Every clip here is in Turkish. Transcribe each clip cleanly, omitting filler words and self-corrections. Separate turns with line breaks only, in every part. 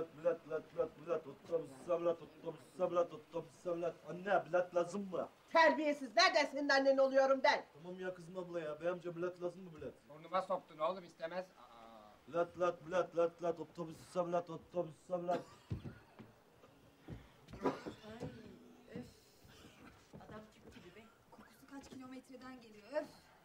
bilet, otobüse bilet. Anne bilet lazım mı?
Terbiyesiz, nereden senin annen oluyorum ben?
Tamam ya kızım abla ya, bey amca bilet lazım mı bilet?
Burnuma soktun oğlum, istemez.
Bilet, otobüse bilet.
Ay öf. Adam çıktı gibi be. Kokusu kaç kilometreden geliyor öf.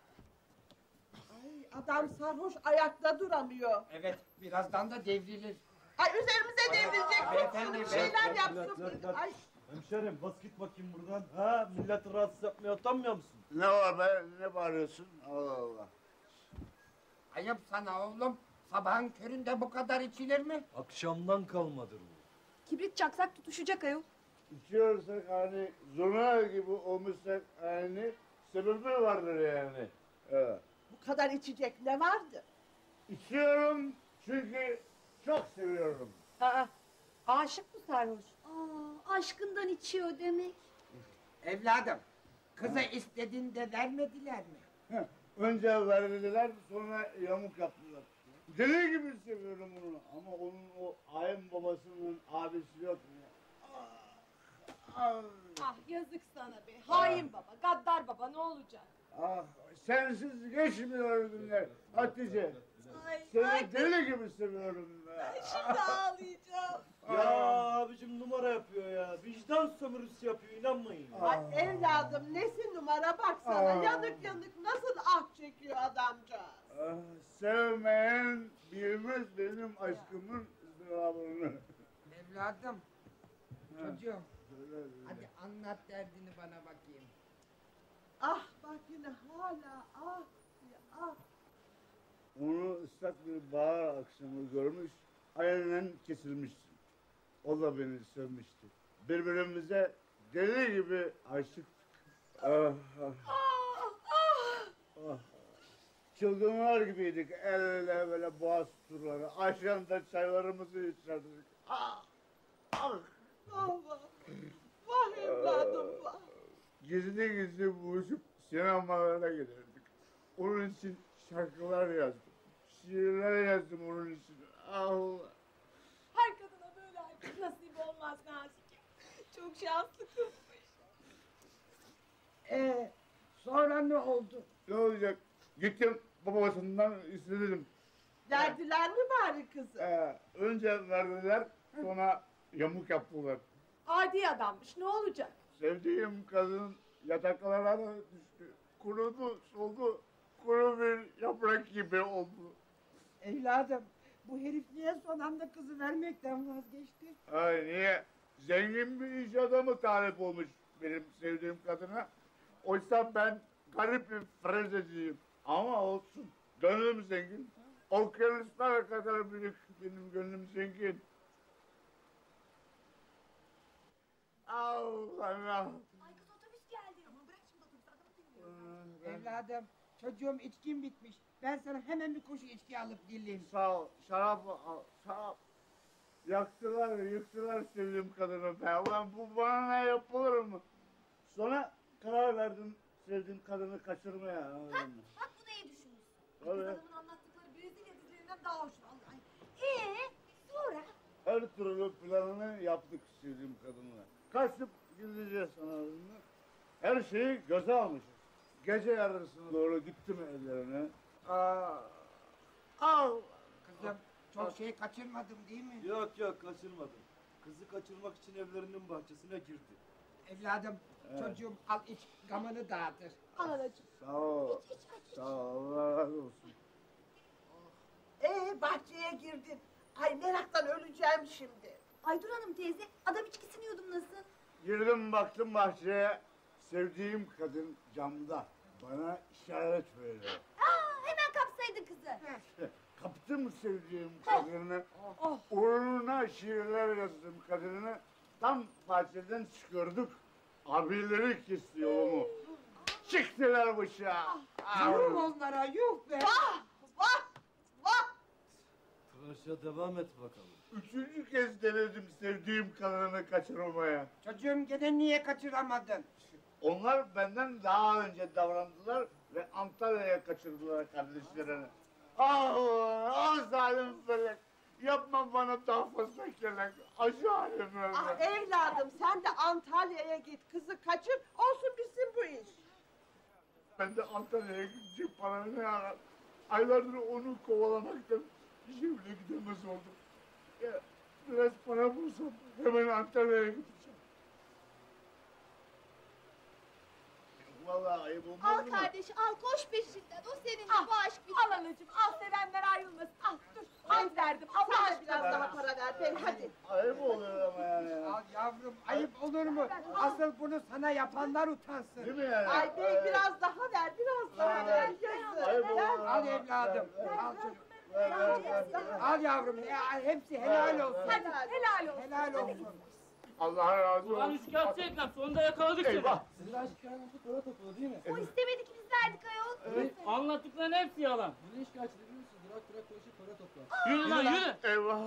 Ay, adam sarhoş, ayakta duramıyor.
Evet, birazdan da devrilir.
Ay üzerimize devrilecek,
beyefendi,
bir şeyler
beyefendi.
yapsın. Ay.
Hemşerim bas git bakayım buradan. Ha, milleti rahatsız yapmaya utanmıyor musun?
Ne var be? Ne bağırıyorsun? Allah Allah.
Ayıp sana oğlum. Sabahın köründe bu kadar içilir mi?
Akşamdan kalmadır bu.
Kibrit çaksak tutuşacak ayol.
İçiyorsak hani zurna gibi olmuşsak hani sebebi vardır yani. Evet.
Bu kadar içecek ne vardı?
İçiyorum çünkü çok seviyorum.
Aa, aşık mı sarhoş?
Aa, aşkından içiyor demek.
Evladım, kıza istediğinde vermediler mi?
Heh, önce verdiler sonra yamuk yaptılar. Deli gibi seviyorum onu ama onun o ayın babasının abisi yok mu?
Ah yazık sana be. Hain baba, gaddar baba ne olacak?
Ah, sensiz geçmiyor günler Hatice.
Ay,
Seni deli gibi seviyorum be.
şimdi ağlayacağım.
Ya abicim numara yapıyor ya. Vicdan sömürüsü yapıyor, inanmayın.
Ay evladım, nesi numara baksana. Yanık nasıl ah çekiyor adamcağız.
Ah, sevmeyen bilmez benim aşkımın ızdırabını.
Evladım, çocuğum,
Söyle.
hadi anlat derdini bana bakayım.
Ah bak yine hala ah diye ah.
Onu ıslak bir bahar akşamı görmüş, aynen kesilmiştim. O da beni sevmişti. Birbirimize deli gibi aşıktık. Ah, ah. Çılgınlar gibiydik, el ele böyle boğaz turları. Akşamda çaylarımızı içerdik. Ah, ah.
Ah vah. Vah evladım vah.
Gizli gizli buluşup sinemalara giderdik. Onun için şarkılar yazdım. Şiirler yazdım onun için. Allah.
Her kadına böyle aşk nasip olmaz Nazike. Çok şanslı kızmış.
Sonra ne oldu?
Ne olacak? Gittim babasından istedim.
Verdiler mi bari kızı?
Önce verdiler, sonra yamuk yaptılar.
Adi adammış ne olacak?
Sevdiğim kadın yataklara düştü. Kurudu, soldu. Kuru bir yaprak gibi oldu.
Evladım, bu herif niye son anda kızı vermekten vazgeçti?
Ay niye? Zengin bir iş adamı talip olmuş benim sevdiğim kadına. Oysa ben garip bir frezeciyim. Ama olsun. Gönlüm zengin. Okyanuslar kadar büyük benim gönlüm zengin. Allah.
Ay kız otobüs geldi. Aman bırak şimdi otobüsü, adamı dinliyorum.
Evladım, çocuğum içkin bitmiş. Ben sana hemen bir koşu içki alıp geleyim.
Sağ ol. Şarap al. Şarap. Yaktılar, yıktılar sevdiğim kadını be. Ulan bu bana ne yapılır mı? Sonra karar verdim sevdiğim kadını kaçırmaya.
Bak bunu iyi düşünmüşsün.
Tabii.
Kız adamın anlattıkları Brezilya dizilerinden daha hoş vallahi. Sonra?
Her türlü planını yaptık sevdiğim kadınla. Kaçıp gideceğiz sanırım. Her şeyi göze almışız. Gece yarısına doğru gittim ellerine. Al.
Kızım, çok şey kaçırmadım değil mi?
Yok kaçırmadım. Kızı kaçırmak için evlerinin bahçesine girdi.
Evladım, çocuğum al iç, gamını dağıtır.
Al anacığım.
Sağ ol. Sağ ol. Allah razı olsun.
Bahçeye girdin. Ay meraktan öleceğim şimdi.
Aydur Hanım teyze, adam içkisini yudum nasıl?
Girdim baktım bahçeye. Sevdiğim kadın camda. Bana işaret veriyor.
Hemen kapsaydı kızı.
Kaptım sevdiğim kadını. Uğruna şiirler yazdım kadını. Tam bahçeden çıkıyorduk. Abileri kesti yolumu. Çıktılar bıçağa.
Yuh onlara, yuh be!
Vah!
Tıraşa devam et bakalım.
Üçüncü kez denedim sevdiğim kadını kaçırmaya.
Çocuğum gene niye kaçıramadın?
Onlar benden daha önce davrandılar ve Antalya'ya kaçırdılar kardeşlerini. Ah zalim felek. Yapma bana daha fazla kelek. Acı halim
Ah
öyle.
evladım sen de Antalya'ya git kızı kaçır olsun bitsin bu iş.
Ben de Antalya'ya gidecek para ne arar? Aylardır onu kovalamaktan işe bile gidemez oldum. Ya, biraz para bulsam hemen Antalya'ya gideceğim. Vallahi ayıp olmaz
Al
mı?
kardeş al koş peşinden. O seninle
Al,
bu aşk bitmez.
Al anacığım al sevenler ayrılmasın. Al dur al verdim. Allah sen de biraz daha para ver ben hadi.
Ayıp oluyor ama yani.
Al yavrum ayıp olur mu? Asıl bunu sana yapanlar utansın.
Değil mi yani?
Ay bey biraz daha ver biraz daha ver.
Ayıp
Yazık.
oluyor.
Al evladım. Al çocuğum.
Ver.
Al yavrum. Ya, hepsi helal olsun.
Hadi helal olsun.
Helal olsun.
Allah razı
Ulan
olsun.
üçkağıtçı Ekrem sonunda yakaladık seni.
Eyvah.
Sizin aşk hikayenizi para topladı değil mi?
O istemedi ki biz verdik ayol.
Evet, anlattıkların hepsi yalan.
Bu ne şikayetçi biliyor musun? Durak durak dolaşıp para toplar.
Yürü lan yürü.
Eyvah.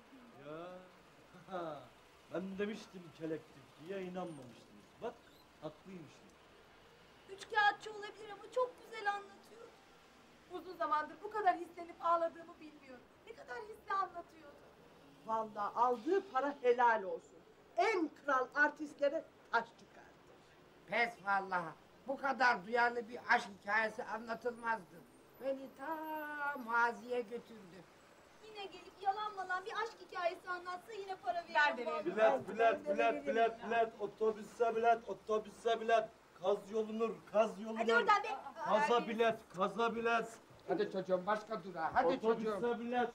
Ya ben demiştim kelektir diye inanmamıştınız. Bak haklıymışım.
Üçkağıtçı olabilir ama çok güzel anlatıyor. Uzun zamandır bu kadar hislenip ağladığımı bilmiyorum. Ne kadar hisli anlatıyordu.
Vallahi aldığı para helal olsun. En kral artistlere taş çıkardı.
Pes vallahi. Bu kadar duyarlı bir aşk hikayesi anlatılmazdı. Beni ta maziye götürdü.
Yine gelip yalan malan bir aşk hikayesi anlatsa yine para veririm.
Bilet, otobüse bilet. Kaz yolunur, kaz yolunur.
Hadi oradan be.
Kaza bilet.
Hadi çocuğum başka durağa. Hadi çocuğum.
Otobüse bilet.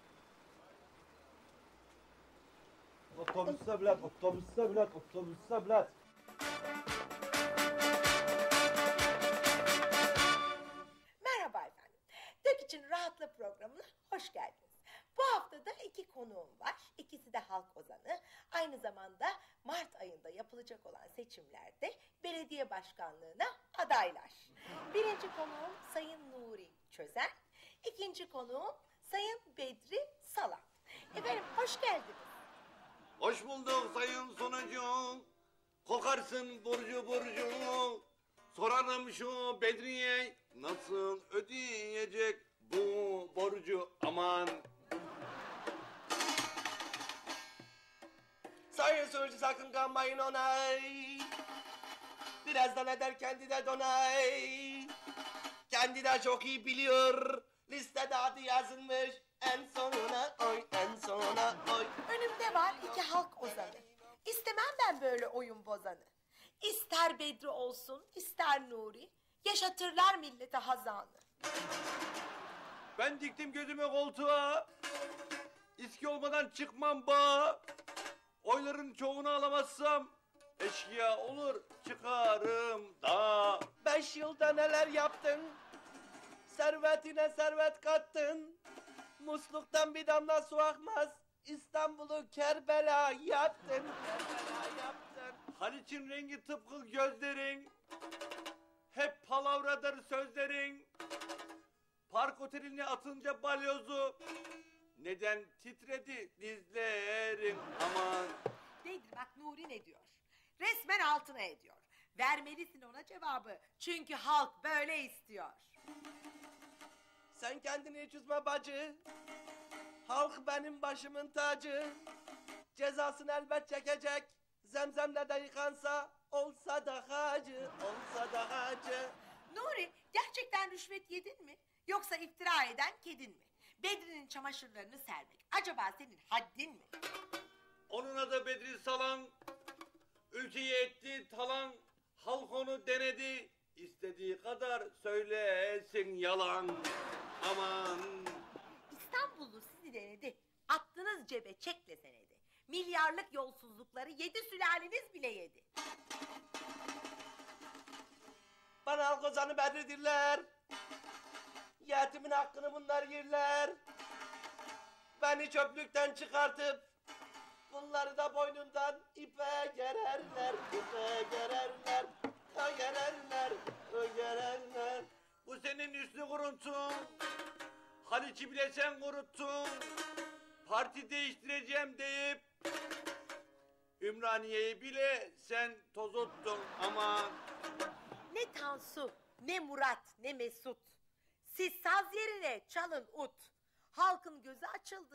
Otobüse bilet.
Merhaba efendim. Dök için Rahatla programına hoş geldiniz. Bu hafta da 2 konuğum var. İkisi de halk ozanı. Aynı zamanda Mart ayında yapılacak olan seçimlerde belediye başkanlığına adaylar. Birinci konuğum Sayın Nuri Çözen. İkinci konuğum Sayın Bedri Salan. Efendim hoş geldiniz.
Hoş bulduk sayın sunucu. Kokarsın burcu burcu. Sorarım şu Bedriye nasıl ödeyecek bu borcu aman. Sayın sunucu sakın kanmayın onay. Birazdan eder kendi de donay. Kendi de çok iyi biliyor. Listede adı yazılmış. En sonuna oy, en sonuna oy.
Önümde var 2 halk ozanı. İstemem ben böyle oyun bozanı. İster Bedri olsun, ister Nuri. Yaşatırlar millete hazanı.
Ben diktim gözümü koltuğa. İski olmadan çıkmam bağa. Oyların çoğunu alamazsam eşkıya olur çıkarım da. 5 yılda neler yaptın? Servetine servet kattın. Musluktan bir damla su akmaz. İstanbul'u Kerbela yaptın. Kerbela yaptın. Haliç'in rengi tıpkı gözlerin. Hep palavradır sözlerin. Park oteline atınca balyozu. Neden titredi dizlerin aman.
Nedir bak Nuri ne diyor? Resmen altına ediyor. Vermelisin ona cevabı. Çünkü halk böyle istiyor.
Sen kendini hiç üzme bacı. Halk benim başımın tacı. Cezasını elbet çekecek. Zemzemle de yıkansa olsa da hacı, olsa da hacı.
Nuri gerçekten rüşvet yedin mi? Yoksa iftira eden kedin mi? Bedri'nin çamaşırlarını sermek. Acaba senin haddin mi?
Onun adı Bedri Salan. Ülkeyi etti talan. Halk onu denedi. İstediği kadar söylesin yalan. Aman.
İstanbullu sizi denedi. Attınız cebe çekle senedi. Milyarlık yolsuzlukları 7 sülaleniz bile yedi.
Bana halk ozanı Bedri'dirler. Yetimin hakkını bunlar yerler. Beni çöplükten çıkartıp bunları da boynundan ipe gererler, ipe gererler, gererler, gererler. Bu senin üstü kuruntun. Haliç'i bile sen kuruttun. Parti değiştireceğim deyip Ümraniye'yi bile sen tozuttun aman.
Ne Tansu, ne Murat, ne Mesut. Siz saz yerine çalın ut. Halkın gözü açıldı.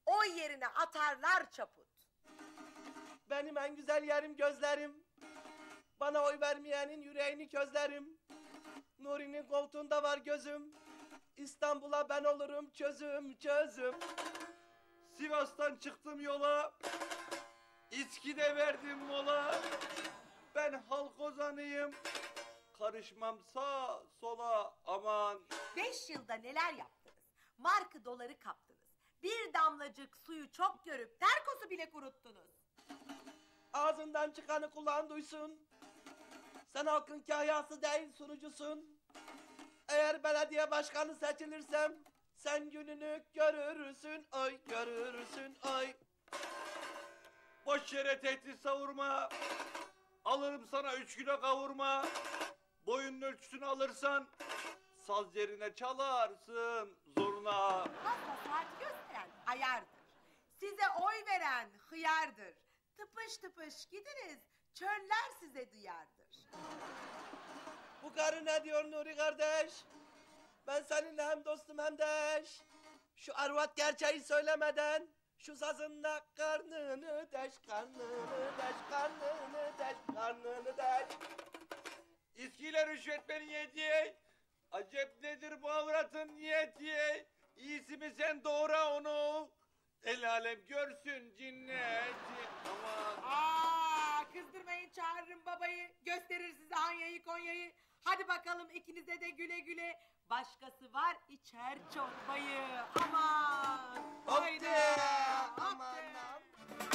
Oy yerine atarlar çaput.
Benim en güzel yerim gözlerim. Bana oy vermeyenin yüreğini közlerim. Nuri'nin koltuğunda var gözüm. İstanbul'a ben olurum çözüm çözüm. Sivas'tan çıktım yola. İçkide verdim mola. Ben halk ozanıyım. Karışmam sağa sola aman.
5 yılda neler yaptınız? Markı doları kaptınız. Bir damlacık suyu çok görüp terkosu bile kuruttunuz.
Ağzından çıkanı kulağın duysun. Sen halkın kahyası değil sunucusun. Eğer belediye başkanı seçilirsem sen gününü görürsün ay görürsün ay. Boş yere tehdit savurma. Alırım sana 3 kilo kavurma. Boyunun ölçüsünü alırsan saz yerine çalarsın zoruna.
Hasta saat gösteren ayardır. Size oy veren hıyardır. Tıpış tıpış gidiniz, çöller size duyardır.
Bu karı ne diyor Nuri kardeş? Ben seninle hem dostum hem de eş. Şu arvat gerçeği söylemeden şu sazınla karnını deş, karnını deş, karnını deş, karnını deş. İskiyle rüşvet beni yediye. Acep nedir bu avratın niyeti? İyisi mi sen doğra onu? El alem görsün cinneti. Aman.
Kızdırmayın, çağırırım babayı. Gösterir size Anya'yı Konya'yı. Hadi bakalım ikinize de güle güle. Başkası var içer çorbayı. Aman.
Haydi.
Aman.
Aman.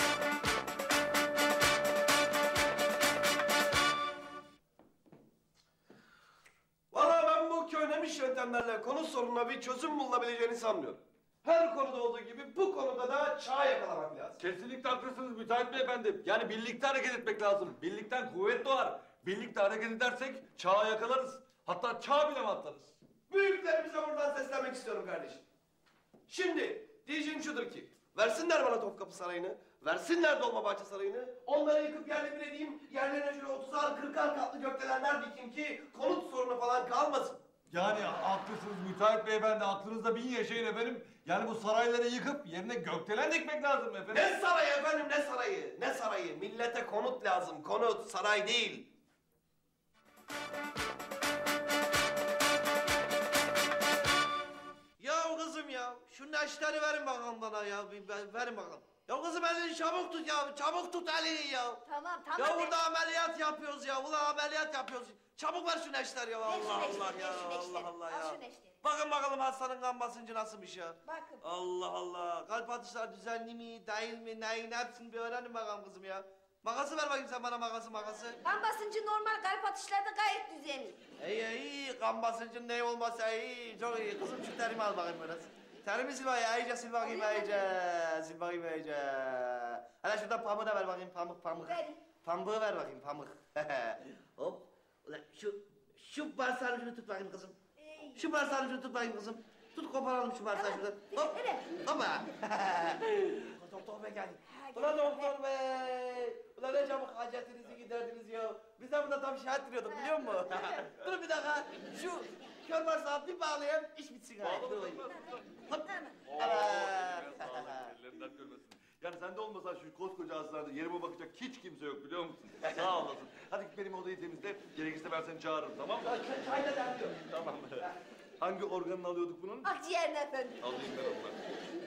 Valla ben bu köynemiş yöntemlerle konu sorununa bir çözüm bulunabileceğini sanmıyorum. Her konuda olduğu gibi bu konuda da çağ yakalamak lazım.
Kesinlikle haklısınız müteahhit beyefendi. Yani birlikte hareket etmek lazım. Birlikten kuvvet doğar. Birlikte hareket edersek çağı yakalarız. Hatta çağ bile atlarız.
Büyüklerimize buradan seslenmek istiyorum kardeşim. Şimdi diyeceğim şudur ki, versinler bana Topkapı Sarayı'nı, versinler Dolmabahçe Sarayı'nı, onları yıkıp yerle bir edeyim, yerlerine şöyle 30'ar 40'ar katlı gökdelenler dikeyim ki konut sorunu falan kalmasın.
Yani haklısınız müteahhit beyefendi. Aklınızda bin yaşayın efendim. Yani bu sarayları yıkıp yerine gökdelen dikmek lazım efendim.
Ne sarayı efendim, ne sarayı, ne sarayı? Millete konut lazım, konut, saray değil. Ya kızım ya, şu neşteri verin bakalım bana ya, verin bakalım. Ya kızım elini çabuk tut ya, çabuk tut elini ya.
Tamam
Ya burada ameliyat yapıyoruz ya, ulan ameliyat yapıyoruz. Çabuk ver şu neşteri ya, Allah Allah ya, Allah Allah ya. Bakın bakalım hastanın kan basıncı nasılmış ya.
Bakın.
Allah Allah, kalp atışları düzenli mi, değil mi, neyin hepsini bir öğrenin bakalım kızım ya. Makası ver bakayım sen bana makası.
Kan basıncı normal, kalp atışları da gayet düzenli.
İyi, kan basıncın ne olmasa iyi, çok iyi. Kızım şu terimi al bakayım biraz. Terimi sil bakayım, iyice sil bakayım, sil bakayım iyice. Hele şuradan pamuğu da ver bakayım, pamuk.
Verin.
Pamuğu ver bakayım, pamuk. Hop, ulan şu bağırsağın ucunu tut bakayım kızım. Şu bağırsağın ucunu tut bakayım kızım. Tut koparalım şu bağırsağı şuradan. Hop, hoppa. Doktor bey geldi. Ulan doktor bey. Ulan ne çabuk hacetinizi giderdiniz ya. Biz de burada tam şahit duruyorduk biliyor musun? Dur bir dakika. Şu kör bağırsağı bir bağlayayım, iş bitsin ha. Dur bakayım. Hop.
Ellerinden görmesin. Yani sen de olmasan şu koskoca hastanede yerime bakacak hiç kimse yok biliyor musun? Sağ olasın. Hadi git benim odayı temizle. Gerekirse ben seni çağırırım tamam mı?
Çayla da yapıyor.
Tamam. Hangi organını alıyorduk bunun?
Akciğerine efendim.
Alayım ben onu.